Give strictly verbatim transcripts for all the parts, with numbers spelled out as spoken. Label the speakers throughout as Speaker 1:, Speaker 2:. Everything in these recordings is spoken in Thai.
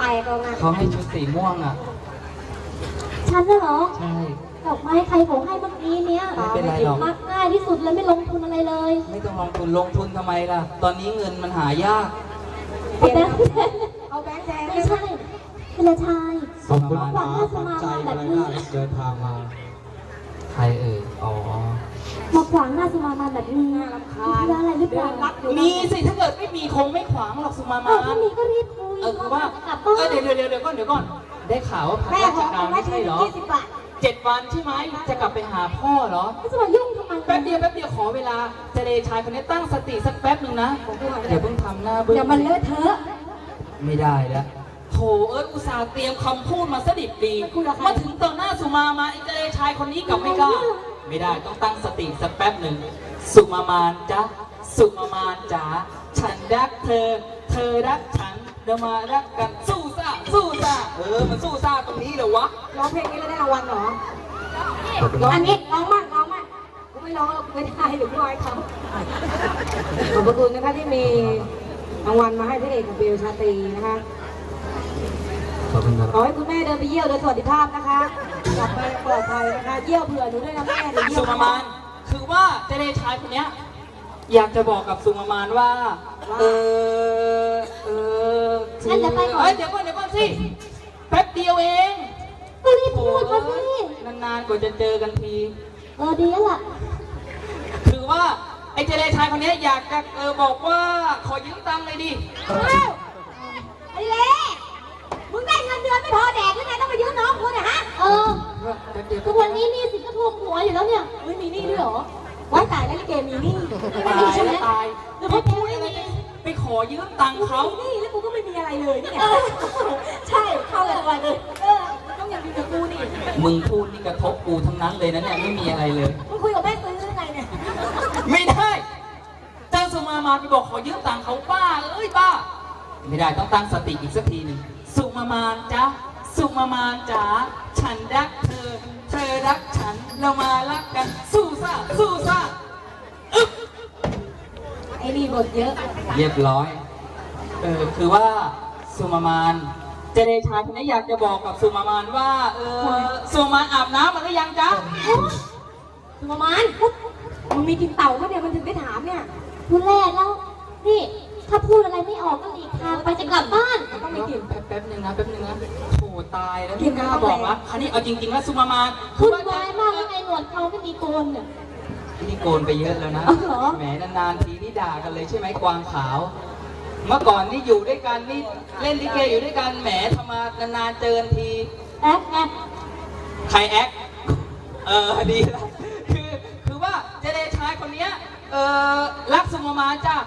Speaker 1: ก็มา
Speaker 2: เขาให้ชุดสีม่วงอ่ะ
Speaker 3: ฉันน่ะเหรอ
Speaker 2: ใช่
Speaker 3: ดอกไม้ใครของให้เมื่อกี้เนี้ย
Speaker 2: ไม่เป็นไรหรอก
Speaker 3: มักง่ายที่สุดเลยไม่ลงทุนอะไรเลย
Speaker 2: ไม่ต้องลงทุนลงทุนทำไมล่ะตอนนี้เงินมันหายาก
Speaker 3: เอาแบงค์
Speaker 1: เอาแบงค์แดง
Speaker 3: ไม่ใช่เป็นชาย
Speaker 4: ขอบคุณมากฝังใจอะไรน่าเดินทางมา
Speaker 2: ใครเอ่ยอ๋อ
Speaker 3: มาขวางหน้าสุมามาแบบนี้มีอะไรหรือเปล่า
Speaker 2: มีสิถ้าเกิดไม่มีคงไม่ขวางหรอกสุมามา
Speaker 3: ถ้ามีก็รีบคุย
Speaker 2: เออคือว่าเออเดี๋ยวเดี๋ยวเดี๋ยวก่อนเดี๋ยวก่อนได้ข่าวว่าพักราชการไม่ใช่เหรอเจ็ดวันใช่ไหมจะกลับไปหาพ่อเหรอ
Speaker 3: จะมายุ่งทำไม
Speaker 2: แป๊บเดียวแป๊บเดียวขอเวลาเจเลชายคนนี้ตั้งสติสักแป๊บหนึ่งนะเดี๋ยวเพิ่งทำหน้าเบื้อง
Speaker 3: เดี๋ยวมันเลอะเทอะ
Speaker 2: ไม่ได้แล้วโถเอิร์ธอุตส่าห์เตรียมคำพูดมาสดิบดีมาถึงต่อหน้าสุมามาไอ้เจเลชายคนนี้กลับไม่กล้าไม่ได้ต้องตั้งสติสักแป๊บหนึ่งสุมามานจ๊ะสุมามานจ๋าฉันรักเธอเธอรักฉันเรามารักกันสู้ซ่าสู้ซ่าเออมันสู้ซ่าตรงนี้เหรอวะ
Speaker 1: ร้องเพลงนี้แล้วได้รางวัลเหรออันนี้ร้องมากร้องมากกูไม่ร้องไม่ได้หรือไม่ไหวเขาขอบพระคุณนะคะที่มีรางวัลมาให้พระเอกของเบลชาตรีนะคะ
Speaker 2: ขอบคุณครับ
Speaker 1: ขอให้คุณแม่เดินไปเยี่ยวโดยสวัสดิภาพนะคะกลับไปปลอดภัยนะคะเยี่ยวเผื่อหนูด้วยนะแม่เดี๋ยวเยี่ยว
Speaker 2: สุมามานคือว่าเจเลชายคนเนี้ยอยากจะบอกกับสุมามานว่าเออเออ
Speaker 3: งั้นจะไปก่อน
Speaker 2: เดี๋ยวก่อนเดี๋ยวก่อนสิแป๊บเดียวเอง
Speaker 3: ก็รีบพูดมาสิ
Speaker 2: นานๆกว่าจะเจอกันที
Speaker 3: เออดีแล้วล่ะ
Speaker 2: คือว่าไอ้เจเลชายคนนี้อยากจะเออบอกว่าขอยืมตังค์เลยดิ
Speaker 1: ไอ้เล่มึงได้เงินเดือนไม่พอแดกหรือไงต้องไปยืมน้องกูเนี่ยฮะ
Speaker 3: เออทุกวันนี้นี่สิก็ทวงหัวอยู่แล้วเนี่ย
Speaker 1: ไม่มีหนี้ด้วยเหรอว้ายตายแล้วลิเกมีหนี้
Speaker 2: ตายใช่ไหมตายแล้วพอพูดอะไรไปขอยืมตังค์เขา
Speaker 1: นี่แล้วกูก็ไม่มีอะไรเลยนี่ไงใช่เข้ากันไปเลยเออต้องอย่างดีกับกูนี่
Speaker 2: มึงพูดนี่กระทบกูทั้งนั้นเลยนะเนี่ยไม่มีอะไรเลย
Speaker 1: มึงคุยกับแม่ซื้อยังไงเนี่ย
Speaker 2: ไม่ได้เจ้าสุมามาไปบอกขอยืมตังค์เขาป้าเอ้ยป้าไม่ได้ต้องตั้งสติอีกสักทีหนึ่งสุมามานจ๊ะสุมามานจ๋าฉันรักเธอเธอรักฉันเรามารักกันสู้ซ่าสู้ซ่าอึ๊บ
Speaker 1: ไอ้นี่บทเยอะ
Speaker 2: เรียบร้อยเออคือว่าสุมามานเจเดชายคนนี้อยากจะบอกกับสุมามานว่าเออสุมามานอาบน้ำมาหรือยังจ๊ะ
Speaker 1: สุมามานมึงมีกินเต่าก็เนี่ยมันถึงได้ถามเนี่ย
Speaker 3: พูดแรกแล้วนี่ถ้าพูดอะไรไม่ออกก็หลีกทางไปจะกลับบ้าน
Speaker 2: ต้องไปกินแป๊บๆนึงนะแป๊บนึงนะโถตายแล้วที่กล้าบอกว่าคันนี้เอาจริงๆแล้วสุมามาน
Speaker 3: พูดไวมากยังไงหนวดเขาไม่มีโกนเนี่ย
Speaker 2: นี่โกนไปเยอะแล้วนะแหมนานๆทีนี่ด่ากันเลยใช่ไหมกวางขาวเมื่อก่อนนี่อยู่ด้วยกันนี่เล่นลิเกอยู่ด้วยกันแหมทำมานานๆเจอกันที
Speaker 3: แอ๊กแอ๊ก
Speaker 2: ใครแอ๊กเออดีแล้วคือคือว่าเจเดชายคนนี้เออรักสุมามานจ้ะ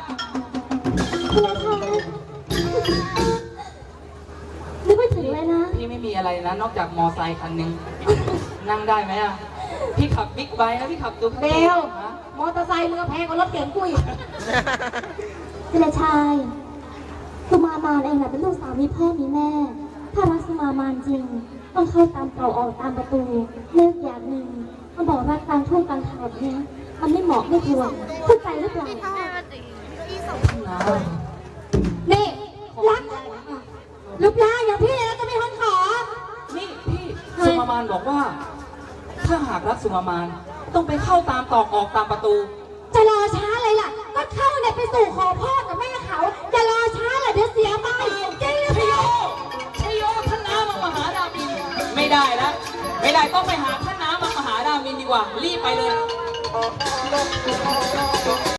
Speaker 3: นึกไม่ถึงเลยนะ
Speaker 2: พี่ไม่มีอะไรนะนอกจากมอไซค์คันนึงนั่งได้ไหมอ่ะพี่ขับบิ๊กไบค์นะพี่ขับดู
Speaker 1: เบลมอเตอร์ไซค์มือแพงกว่ารถเก๋งกุย
Speaker 3: เจเลชายสุมามานเองแหละเป็นลูกสาวมีพ่อมีแม่ถ้ารักสุมามานจริงต้องเข้าตามเก่าออกตามประตูเลิกอย่างหนึ่งมันบอกรักกลางทุ่งกลางเขาเนี่ยมันไม่เหมาะไม่ควรเข้าใจหรือเปล่า
Speaker 1: นี่รักลูกยาอย่างพี่แล้วจะมีคนขอ
Speaker 2: นี่พี่สุมามานบอกว่าถ้าหากรักสุมามานต้องไปเข้าตามตอกออกตามประตู
Speaker 1: จะรอช้าเลยล่ะก็เข้าเนี่ยไปสู่ขอพ่อกับแม่เขาจะรอช้าเลยเดี๋ยวเสียไปจริงหรือเปล่า
Speaker 2: ชโยท่านน้ำมหาดามินไม่ได้แล้วไม่ได้ต้องไปหาท่านน้ำมหาดามินดีกว่ารีบไปเลย